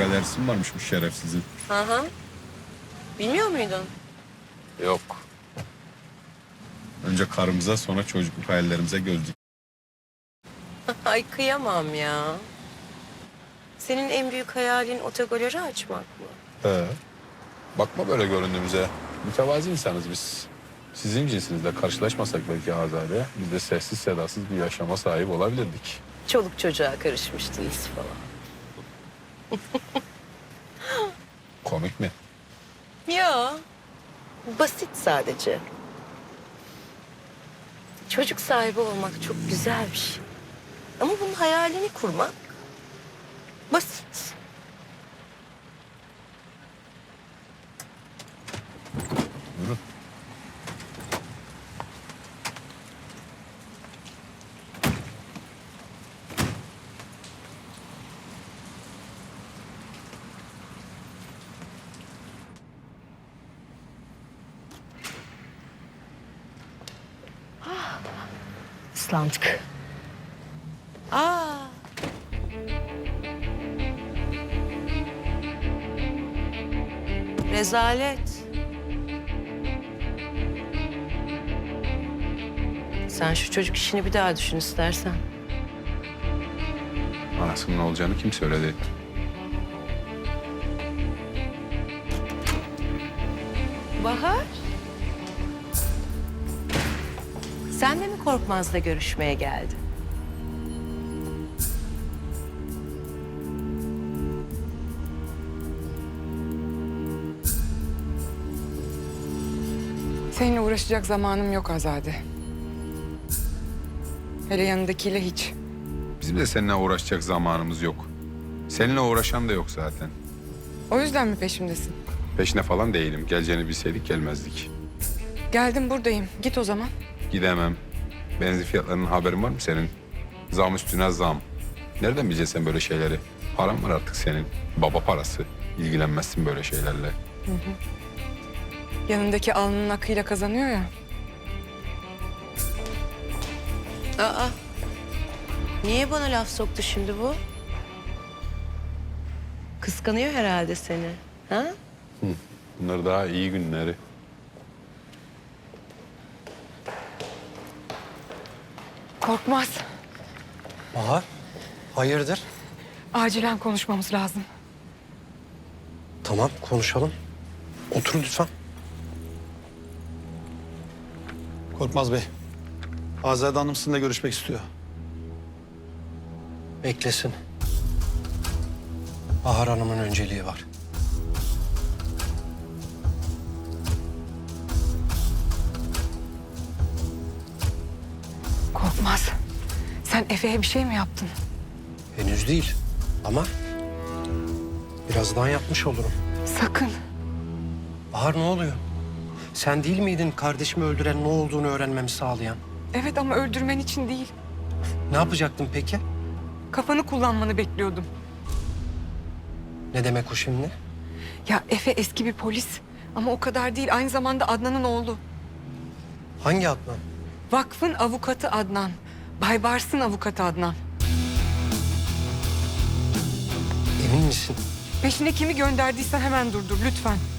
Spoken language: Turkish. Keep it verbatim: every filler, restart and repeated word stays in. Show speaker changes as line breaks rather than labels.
galerisi mi varmış bu şerefsizin?
Hı hı. Bilmiyor muydun?
Yok. Önce karımıza sonra çocukluk hayallerimize göz dik.
Ay kıyamam ya. Senin en büyük hayalin otogaleri açmak mı?
He. Bakma böyle göründüğümüze. Mütevazi insanız biz. Sizin cinsinizle karşılaşmasak belki Azade, biz de sessiz sedasız bir yaşama sahip olabilirdik.
Çoluk çocuğa karışmıştınız falan.
Komik mi?
Ya basit sadece. Çocuk sahibi olmak çok güzel bir şey. Ama bunun hayalini kurmak basit.
Buyurun.
Islandık. Aa. Rezalet. Sen şu çocuk işini bir daha düşün istersen.
Anasının ne olacağını kim söyledi?
Bahar. Sen de mi Korkmaz'la görüşmeye geldin?
Seninle uğraşacak zamanım yok Azade. Hele yanındakiyle hiç.
Bizim de seninle uğraşacak zamanımız yok. Seninle uğraşan da yok zaten.
O yüzden mi peşimdesin?
Peşine falan değilim. Geleceğini bilseydik gelmezdik.
Geldim buradayım. Git o zaman.
Gidemem. Benzin fiyatlarının haberin var mı senin? Zam üstüne zam. Nereden bileceksin sen böyle şeyleri? Paran var artık senin. Baba parası. İlgilenmezsin böyle şeylerle.
Yanındaki alnının akıyla kazanıyor ya.
Aa. Niye bana laf soktu şimdi bu? Kıskanıyor herhalde seni. Ha?
Bunlar daha iyi günleri.
Korkmaz.
Bahar, hayırdır?
Acilen konuşmamız lazım.
Tamam, konuşalım. Oturun lütfen.
Korkmaz Bey, Azade Hanım sizinle görüşmek istiyor.
Beklesin. Bahar Hanım'ın önceliği var.
Korkmaz. Sen Efe'ye bir şey mi yaptın?
Henüz değil ama birazdan yapmış olurum.
Sakın.
Bahar ne oluyor? Sen değil miydin kardeşimi öldüren ne olduğunu öğrenmemi sağlayan?
Evet ama öldürmen için değil.
Ne yapacaktın peki?
Kafanı kullanmanı bekliyordum.
Ne demek o şimdi?
Ya Efe eski bir polis. Ama o kadar değil. Aynı zamanda Adnan'ın oğlu.
Hangi Adnan?
Vakfın avukatı Adnan. Baybars'ın avukatı Adnan.
Emin misin?
Peşine kimi gönderdiysen hemen durdur lütfen.